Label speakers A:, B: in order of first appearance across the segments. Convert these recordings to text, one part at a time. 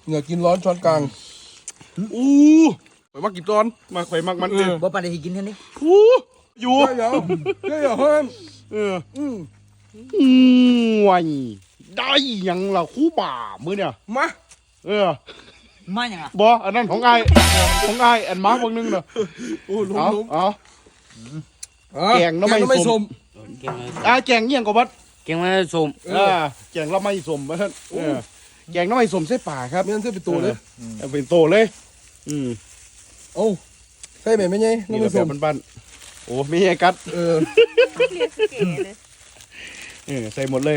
A: เหงื่อกินร้อนช้อนกลางอู้ไปมากี่ตอนมาไข่มักมันเออ
B: บ่ปานใดสิกินเท่านี้
A: อยู่ได้ยังได้ยังเฮ้ย
C: ว้ยได้ยังล่ะคู่บ่ามือเนี่ย
A: มา
B: มาหยังอ่ะ
C: บ่อันนั้นของไอ้อันมาร์กบางนึงเนอะ
A: โอ้ลุง
C: เอาแกงน้ำไม่ส้มแกงเงี้ยงกับวัด
B: แกงไม่ส้ม
C: แกงละไม่ส้มมาท่านแกงน้ำไม่ส้มใส่ป่าครับ
A: ไม่งั้นใส่เป็นตัวเลย
C: เป็นโตเลย
A: โอ้ใส่แบบไม่ไงน้ำไม่ส้ม
C: บ้านโอ้ไม่ใช่กัดใส่หมดเลย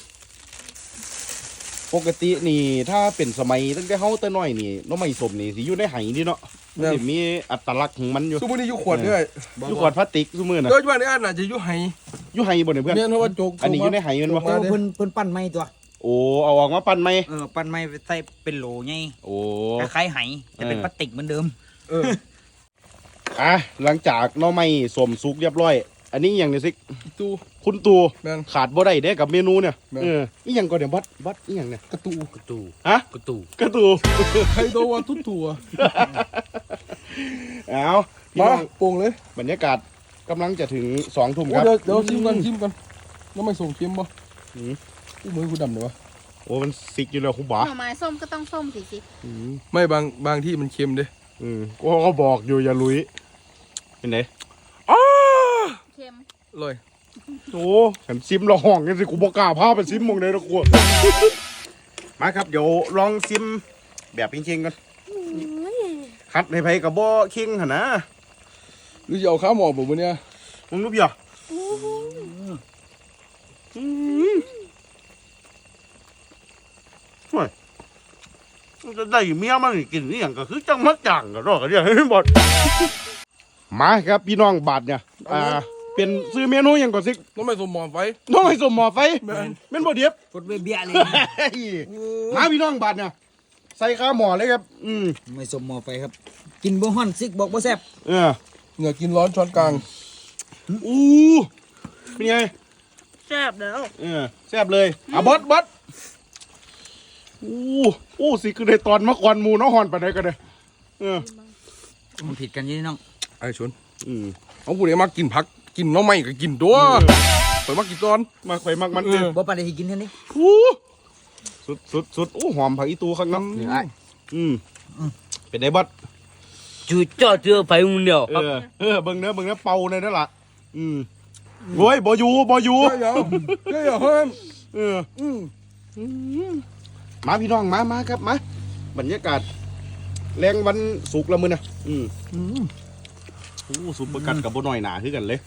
C: ปกตินี่ถ้าเป็นสมัยตั้งแต่เฮาแต่น้อยนี่น้ำไม่ส้มนี่สิอยู่ในไหนี่เนาะมันมีอัตลักษณ์ของมันอยู่
A: ซุมือนี่อยู่ขวดด้วย
C: อยู่ขวดพลาสติกซุมือน่ะ
A: โดยเฉพาะในอันน่ะจะอยู่ไห
C: อยู่ไหบ่เนี่ยเพื่อน
A: เนี่ยเพราะว่าโจก
C: อันนี้อยู่ในไหมันบ่
B: เพิ่นปั้นไม้ตัว
C: โอ้เอาออกมาปั้นไหม
B: ปั้นไม้ใส่เป็นโหลไง
C: โอ้
B: คล้ายๆไหแต่เป็นพลาสติกเหมือนเดิม
C: หลังจากน้ำไม่ส้มสุกเรียบร้อยอันนี้อย่างนี้สิคุณตูขาดบ่ได้เด้กับเมนูเนี่ยอีหยังก็เดี๋ยวบัดอีหยังเนี่ย
A: กระตู
C: ฮะ
B: กระตู
A: ใครตัวทุกตัว
C: เอา
A: มาโป่งเลย
C: บรรยากาศกำลังจะถึง2 ทุ่มครับ
A: เดี๋ยวชิมกันแล้วไม่ส่งเค็มป่ะมือกูดำเลยวะ
C: โอ้มันสิกอยู่แล้วคุณบ่า
D: หน่อไม้ส้มก็ต้องส้มสิ
A: ไม่บางที่มันเค็มเด้
C: ก็บอกอยู่อย่าลุยเป็นไง
D: เค็ม
A: เลย
C: โอ้ฉันซิมละห้องกันสิกูบอกกล้าพาไปซิมมองเลยนะกูมาครับเดี๋ยวลองซิมแบบเค็งๆกันคัดในไผ่กับบ่เค็งหนนะ
A: หรือจะเอาข้าวหมอกแบบนี้
C: มึงรู้ป่ะจะได้เมียมันกินนี่อย่างก็คือจังมักจังก็รอกันเดี๋ยวให้หมดมาครับพี่น้องบาทเนี่ยเป็นซื้อเมนูอย่างก่อนสิ
A: ต้องไม่สมหมอไฟ
C: เป็นบ่เดียบ
B: กดเบี้ยเลย
C: มาพี่น้องบาทเนี่ยใส่ข้าวหมอเลยครับ
B: ไม่สมหมอไฟครับกินบ่ฮ้อนซิกบอกบ่แซ่บ
A: เหงื่อกินร้อนช้อนกลาง
C: เป็นไง
D: แซ่บแล้ว
C: แซ่บเลยบดสิคือในตอนมะกอนมูน้องหอนไปไหนกันเลย
B: มันผิดกันยี่น้อง
A: ไอ้ชนเอาผู้ใดมากินผักกินน้องไม่ก็กินตัวไปมากี่ตอน
C: มาไข่มักมัน
B: บ่ปานใดสิกินเท่านี้
C: สุดหอมผักอีตูข้างน้ำเป็นไงบัด
B: จุดจ่อเจอไฟมึงเดียว
C: เบิ่งเนื้อเป่าเลยนั่นแหละโว้ยบ่อยู่
A: ได้ยังเฮ้ย
C: มาพี่น้องมาครับมาบรรยากาศแรงวันสุกละมือนะสุกประกันกับบ่หน่อยหนาคือกันเลย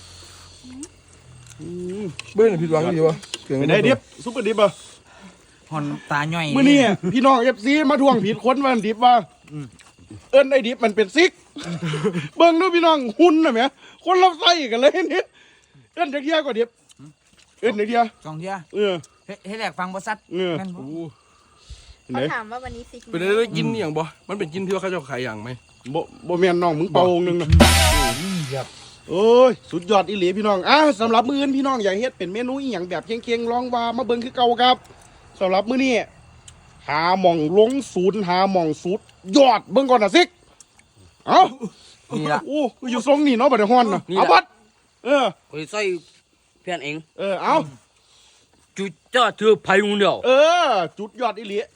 A: เบ้ยผิดหวังดีวะ
C: เป็นไงดิบซุปเปอร์ดิบอ่ะ
B: หอนตาย่อย
C: มื้อนี้พี่น้องเอฟซีมาทวงผิดคนวันดิบว่าเอิ้นไอ้ดิบมันเป็นซิกเบิ่งดูพี่น้องหุ่นน่ะแหมคนเราใส่กันเลยนี่เอิ้นจักเที่ยกว่าดิบเอิ้นจักเที่ย
B: 2 เที่ยเฮ็ดแหลกฟังบ่ซัด
D: แม่นบ่เขาถามว่าวันนี้ซิก
A: เป็นได้กินอย่างบ่มันเป็นกินที่ว่าเขาจะขายอย่างไหม
C: บ่แม่นน้องมึงเป่านึงนะโอ้ยสุดยอดอีหลีพี่น้องสำหรับมื้ออื่นพี่น้องอยากเฮ็ดเป็นเมนูอีหยังแบบเคียงๆลองว่ามาเบิ่งคือเก่าครับสำหรับมื้อนี้หาหม่องลงศูนย์หาหม่องสุดยอดเบิ่งก่อนน่ะซิก
B: นี่ล่ะ
C: อยู่ทรงนี่เนาะบ่ได้ฮ้อนน่ะบัด
B: กูใส่เพื่อนเอง
C: เอา
B: จุดจ่อเธอไผมึงเดียว
C: จุดยอดอีหลี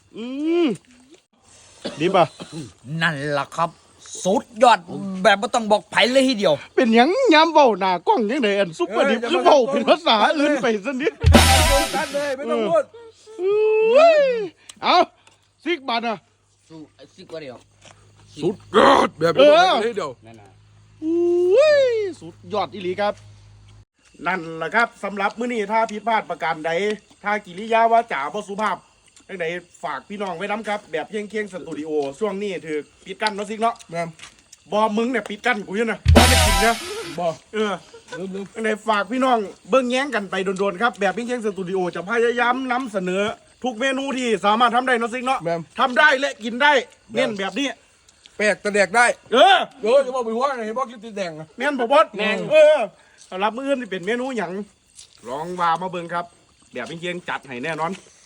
C: ดีป่ะ
B: นั่นล่ะครับสุดยอดแบบไม่ต้องบอกไผเลยทีเดียว
C: เป็นหยังยามเว้าหน้ากล้องยังไงอันซุปเปอร์ดิบคือเว้าเป็นภาษาอื่นไปซะนิด
A: ตัดเลยไม่ต้องพูด
C: เอาซิกบาทนะ
B: ซิกว่าเดียว
A: สุดยอดแบบเดียว
C: สุดยอดอีหลีครับนั่นแหละครับสำหรับมื้อนี้ถ้าผิดพลาดประการใดถ้ากิริยาวาจาบ่สุภาพจังไดฝากพี่น้องไว้น้ำครับแบบเคียงสตูดิโอช่วงนี้ถือปิดกั้นเนาะซิกเนาะบอมึงเนี่ยปิดกั้นกูอยู่นะบอไม่กินนะ
A: บอ
C: จังไดฝากพี่น้องเบิ้งแย้งกันไปโดนๆครับแบบเคียงสตูดิโอจะพยายามนำเสนอทุกเมนูที่สามารถทำได้เนาะซิกเนาะทำได้และกินได้เน้นแบบนี้
A: แปลกแต่แดกได้จะบอกไปว่าไงบอกกินติดแดง
C: แม่นบ่บดสำหรับมื้ออื่นที่เป็นเมนูหยังลองว่ามาเบิ่งครับแบบเคียงจัดให้แน่นอน